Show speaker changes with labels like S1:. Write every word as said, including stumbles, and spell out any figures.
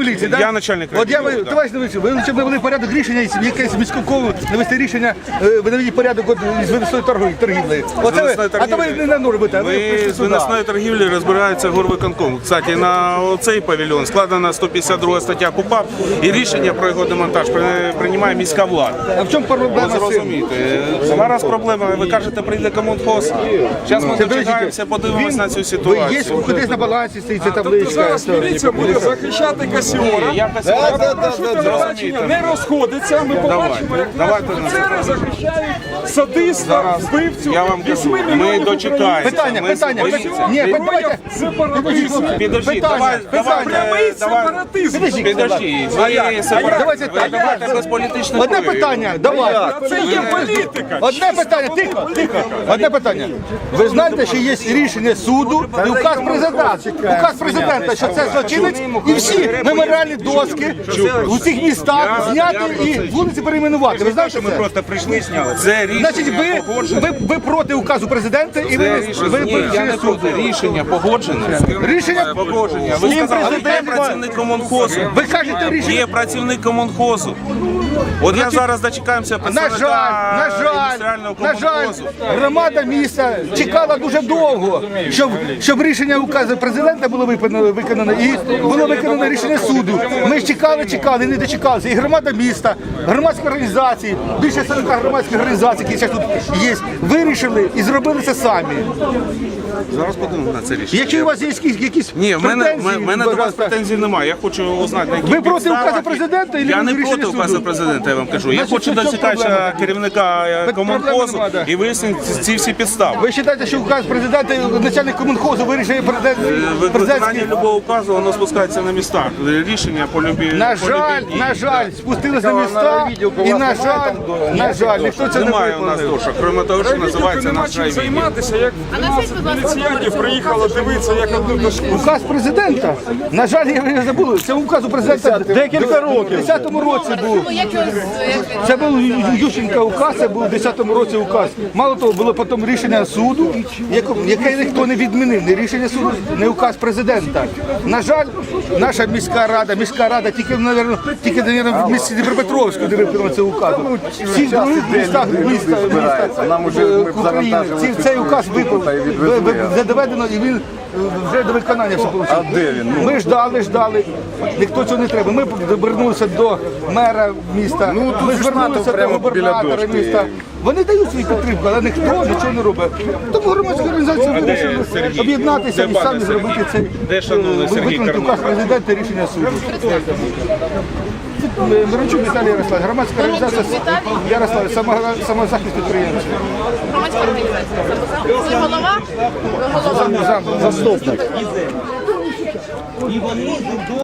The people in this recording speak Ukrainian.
S1: міліції, так?
S2: Я начальник
S1: От я,
S2: райвідділу,
S1: товариш Новичок, ви щоб навели порядок рішення, якесь міського навести рішення, ви наведіть порядок з виносної торгівлі. Оце ви, а то ви не на нору робите, а ви
S2: Ви
S1: прийшли
S2: з
S1: сюди.
S2: виносної торгівлі розбирається горвиконком. Кстати, на цей павільйон складена сто п'ятдесят друга стаття КУпАП, і рішення про його демонтаж приймає міська влада.
S1: А в чому проблема з цим?
S2: Зрозумієте, зараз проблема, ви кажете, прийде комунхоз. Зараз ми дочекаємося, подивимось на цю
S1: Ви є
S2: ситуацію.
S1: кудись на балансі стоїть ця
S3: Тобто
S1: табличка.
S3: зараз міліція буде захищати Касіора.
S2: Я
S3: Я попрошу телебачення не розходиться. Ми побачимо, як наші
S2: давайте на
S3: офіцери захищають садиста, вбивцю.
S2: Я вам кажу,
S3: вісьми
S2: ми
S3: мільйонів
S2: дочекаємося.
S1: Питання,
S2: Ми
S1: питання,
S2: боїмося.
S1: питання. Ні, давайте.
S3: Сепаратизм.
S2: Підожди,
S1: Питання,
S2: давай, давай,
S3: Прямий
S2: давай.
S3: сепаратизм.
S2: Підожди,
S1: Давайте так.
S2: давайте без політичних
S1: Одне
S2: проявів.
S1: питання, давай.
S3: Це є політика.
S1: Одне питання, тихо, тихо. Одне питання. Ви знаєте, що є рішення суду і указ президента. Указ президента, що це злочинець, і всі меморіальні доски у всіх містах зняти і вулиці перейменувати. Ви знаєте,
S2: Ми
S1: це?
S2: просто прийшли і зняли. Це
S1: Значить,
S2: рішення
S1: ви,
S2: погоджене.
S1: ви, ви проти указу президента і ви,
S2: Це
S1: ви,
S2: рішення,
S1: ви
S2: ні, я
S1: прийшли
S2: не
S1: в суд.
S2: проти. Рішення погоджене.
S1: Рішення
S2: Погодження. Ви
S1: Їм
S2: сказали, є
S1: президент-
S2: працівник комунхозу.
S1: Ви кажете рішення.
S2: Є працівник комунхозу. От я зараз дочекаємося
S1: На
S2: представника
S1: жаль, на жаль,
S2: індустріального
S1: на жаль,
S2: комунхозу.
S1: громада міста чекала дуже довго, щоб, щоб рішення указу президента було виконано, виконано і було виконано рішення суду. Ми ж чекали, чекали, не дочекалися. І громада міста, громадські організації, більше сорока громадських організацій, які зараз тут є, вирішили і зробили це самі.
S2: Зараз подивимося на це рішення.
S1: Якщо у вас є якісь, якісь
S2: Ні, в мене,
S1: претензії,
S2: в мене до вас
S1: пожалуйста,
S2: претензій немає. Я хочу узнати, на яких
S1: Ви проти
S2: підставах
S1: указу
S2: і-
S1: президента і
S2: Я не
S1: рішення
S2: проти
S1: суду?
S2: указу президента, я вам кажу. Я
S1: Значить,
S2: хочу
S1: в чому
S2: дочекатися
S1: проблема?
S2: керівника е,
S1: Пет-
S2: комунхозу
S1: проблеми нема, да.
S2: і вияснити ці всі підстави.
S1: Ви вважаєте, що указ президента, начальник комунхозу вирішує президент,
S2: Виконання
S1: президентський?
S2: любого указу, воно спускається на містах. Рішення по любі.
S1: На
S2: по
S1: жаль,
S2: любій дії.
S1: на жаль, спустились на міста, і на жаль, на жаль, ніхто це не
S2: Немає у нас
S1: виконав.
S2: дошок, крім того, що називається
S3: Нема
S2: наш
S3: чим
S2: райвідділ.
S3: займатися, як міліціянтів приїхало дивитися, як одну дошку.
S1: Указ президента, на жаль, я не забув, це указ у президента декілька років. У десятому році був. Це був Ющенка указ, це був у десятому році указ. Мало того, було потім рішення суду, яко- яке ніхто не відмінив, не рішення суду, не указ президента. На жаль, наша міська рада, міська рада тільки, мабуть, тільки, мабуть, в місті Дніпропетровську не виконала цей указ. Всі в других містах міста, міста
S4: Нам уже
S1: е,
S4: ми
S1: України
S4: завантажили
S1: ці- цей указ випав,
S4: та й відвезли.
S1: ви- ви- вже доведено, і він е, вже до виконання все вийшло.
S4: А де він? Ну.
S1: Ми ждали, ждали, ніхто цього не треба. Ми звернулися до мера міста,
S4: Ну, тут
S1: ми
S4: ж
S1: звернулися
S4: НАТО
S1: до
S4: прямо біля
S1: губернатора
S4: дошки.
S1: міста. Вони дають свою підтримку, але ніхто нічого не робить. Тому громадські організації вирішили
S2: Сергій?
S1: об'єднатися
S2: Де
S1: і
S2: пане
S1: самі
S2: Сергій?
S1: зробити цей
S2: Де шановний
S1: е,
S2: Сергій
S1: виконати
S2: Карнов?
S1: указ президента і рішення суду. Мирончук Віталій Ярославович, громадська організація Ярослав, самозахист підприємців.
S5: Громадська організація. Ви голова? Ви голова.
S1: Заступник.